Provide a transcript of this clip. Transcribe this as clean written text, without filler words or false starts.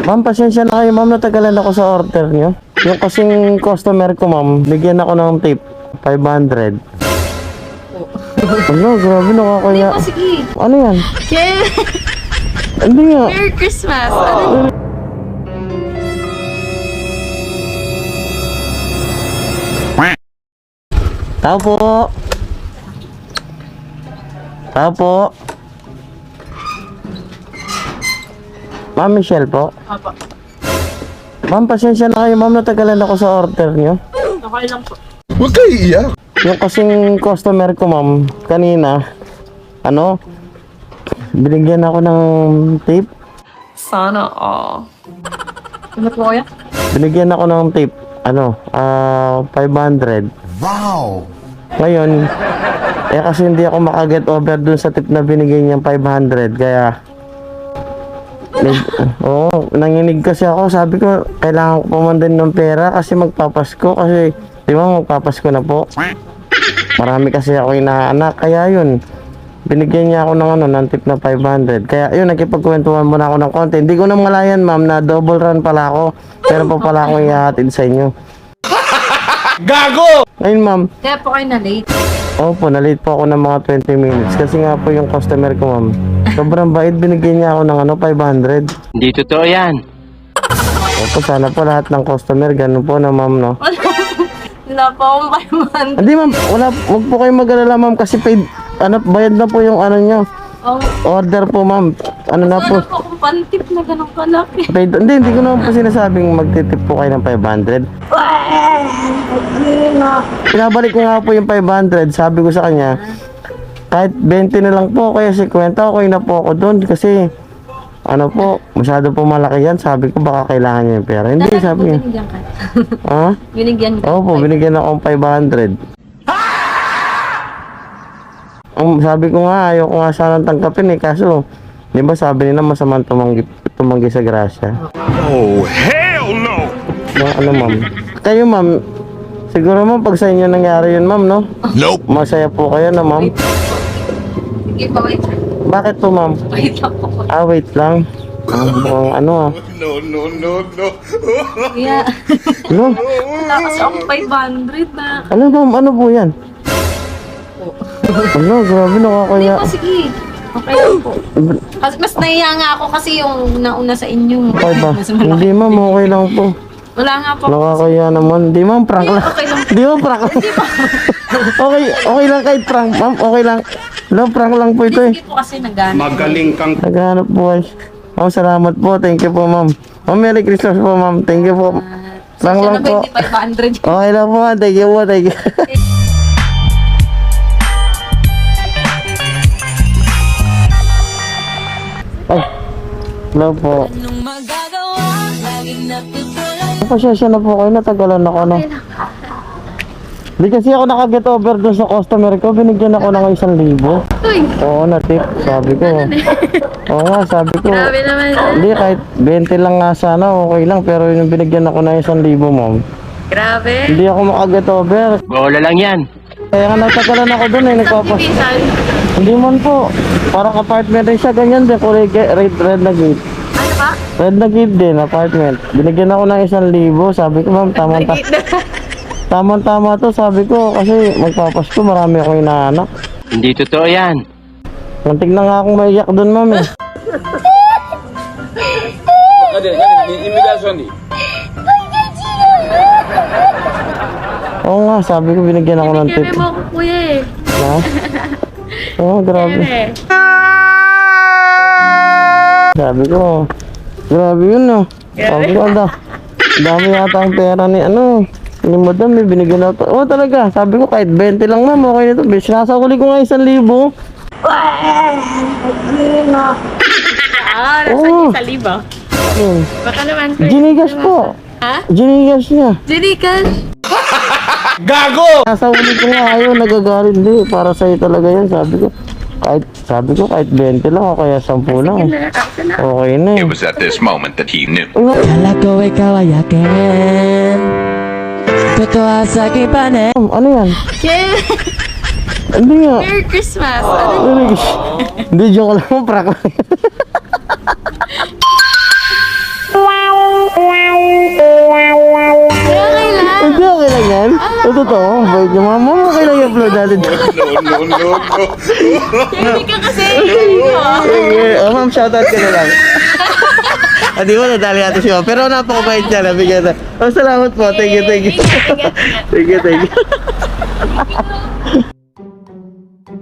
Ma'am, pasensya na kayo, ma'am. Natagalan ako sa order nyo. Yung kasing customer ko, ma'am, bigyan ako ng tip. 500. Ano, grabe, nakakaya. Hindi mo, sige. Ano yan? Yeah. Hindi nga. Merry Christmas. Ano? Tao po. Tao po. Ma'am Michelle po. Apa. Ma'am, pasensya na kayo, ma'am. Natagalan ako sa order nyo. Okay lang po. Huwag kayo iiyak. Yung kasing customer ko, ma'am, kanina, ano, binigyan ako ng tip. Sana all. Ano po kaya? Binigyan ako ng tip, 500. Wow! Ngayon, kasi hindi ako makaget over dun sa tip na binigay niyang 500, kaya nanginig kasi ako. Sabi ko, kailangan ko pumandan ng pera kasi magpapasko, kasi di ba magpapasko na po. Marami kasi ako inaanak, kaya yun, binigyan niya ako ng tip na 500. Kaya yun, nakipagkwentuhan muna ako ng konti. Hindi ko na malayan, ma'am, na double run pala ako. Pero pa pala akong ihahatid sa inyo. Gago! Ngayon, ma'am, Kaya po kayo na late. opo, na-late po ako ng mga 20 minutes. Kasi nga po yung customer ko, ma'am, sobrang bait, binigyan niya ako ng 500. Hindi totoo yan. Opo, sana po lahat ng customer, ganun po na, ma'am, no? Wala po akong 500. Hindi, ma'am, wag po kayong mag-alala, ma'am, kasi paid, bayad na po yung nyo. Oh, Order po, ma'am. Na po. sana po akong pantip na ganun kalaki. Paid, hindi ko naman po sinasabing magtitip po kayo ng 500. Pinabalik ko nga po yung 500, sabi ko sa kanya, kahit 20 na lang po, kaya 50, okay na po ako doon, kasi, masyado po malaki yan, sabi ko baka kailangan niya yung pera. Hindi, sabi niya. Binigyan ka. Ha? Binigyan ka. Opo, binigyan ako ng 500. Sabi ko nga, ayaw ko nga sanang tanggapin kaso, di ba sabi nila masamang tumanggi sa grasya. Oh, hell no! Ma'am? Kayo, ma'am, siguro ma'am, pag sa inyo nangyari yun, ma'am, no? Nope! Masaya po kayo na, ma'am. Sige pa, wait. Bakit po, ma'am? Wait lang po. Wait lang. Mukhang No, no, no, no. Kaya, Ano? wala kasi akong 500 na. Ma'am? Ano po yan? Ano, grabe, Hindi nakakaya. po, sige. Okay lang po. Kasi mas nahiya nga ako kasi yung nauna sa inyo. Okay ba? Mas malaki. Hindi, ma'am, okay lang po. Wala nga po. Nakakaya naman. Hindi, ma'am, prank lang. Okay lang. Di ba prank lang? Okay lang kahit prank, ma'am. Okay lang. Prank lang po ito eh. Sige po kasi nagana. Magaling kang... Naghanap po ay. Ma'am, salamat po. Thank you po, ma'am. Ma'am, Merry Christmas po, ma'am. Thank you po. Prank lang po. Hindi 500. Okay lang po, ma'am. Thank you po. Thank you. Ay, hello po. Pasensya na po kayo, natagalan ako na. Hindi kasi ako nakaget over doon sa customer ko, binigyan ako ng 1,000. Uy, Oo, na tip, sabi ko. Oo nga, sabi ko. grabe naman. Hindi, kahit 20 lang nga sana, okay lang. Pero yung binigyan ako ng 1,000, ma'am. Grabe. Hindi ako makaget over. Bola lang yan. Kaya nga natagalan ako doon eh, nagpapas. Bisan. Hindi man po. Parang apartment rin siya, ganyan din. Kulay red na gate. Ano ba? Red na gate din, apartment. Binigyan ako ng 1,000. Sabi ko, ma'am, tama to, sabi ko. Kasi magpapasko, marami akong inaanak. Hindi totoo yan. Muntik na nga akong maiyak doon, ma'am eh. Oo nga, sabi ko binigyan ako ng tip. Kaya mo ako kuya eh. Ha? Oo, grabe. Kaya Sabi ko, grabe yun no. Sabi ko, dami yata ang pera ni madam, may binigyan ako. Oo talaga, sabi ko kahit 20 lang ma'am, okay na to. Sinasakuli ko nga 1,000. nasa Oo. sa libo. Baka naman kuya. Ginigas po. Ha? Ginigas niya. Jerican. Gago! Nasa uli ko nga ayaw, nagagalit. Hindi, para sa'yo talaga yan. Sabi ko kahit 20 lang o kaya 10 lang. Okay na eh. It was at this moment that he knew. Kala ko ikaw ay akin. Totoo sa aking panin. Ano yan? Yeah. Hindi nga. Merry Christmas. Ano? Hindi, joke lang. Prank lang. Okay lang yan? Totoo, bait niyo mama. Okay lang i-upload natin. No. Hindi ka kasi. Sige. Oh, ma'am, shoutout ka na lang. Di ba, nadali natin si ma'am. Pero napakabait niya, nabigyan na. Oh, salamat po. Thank you. Thank you.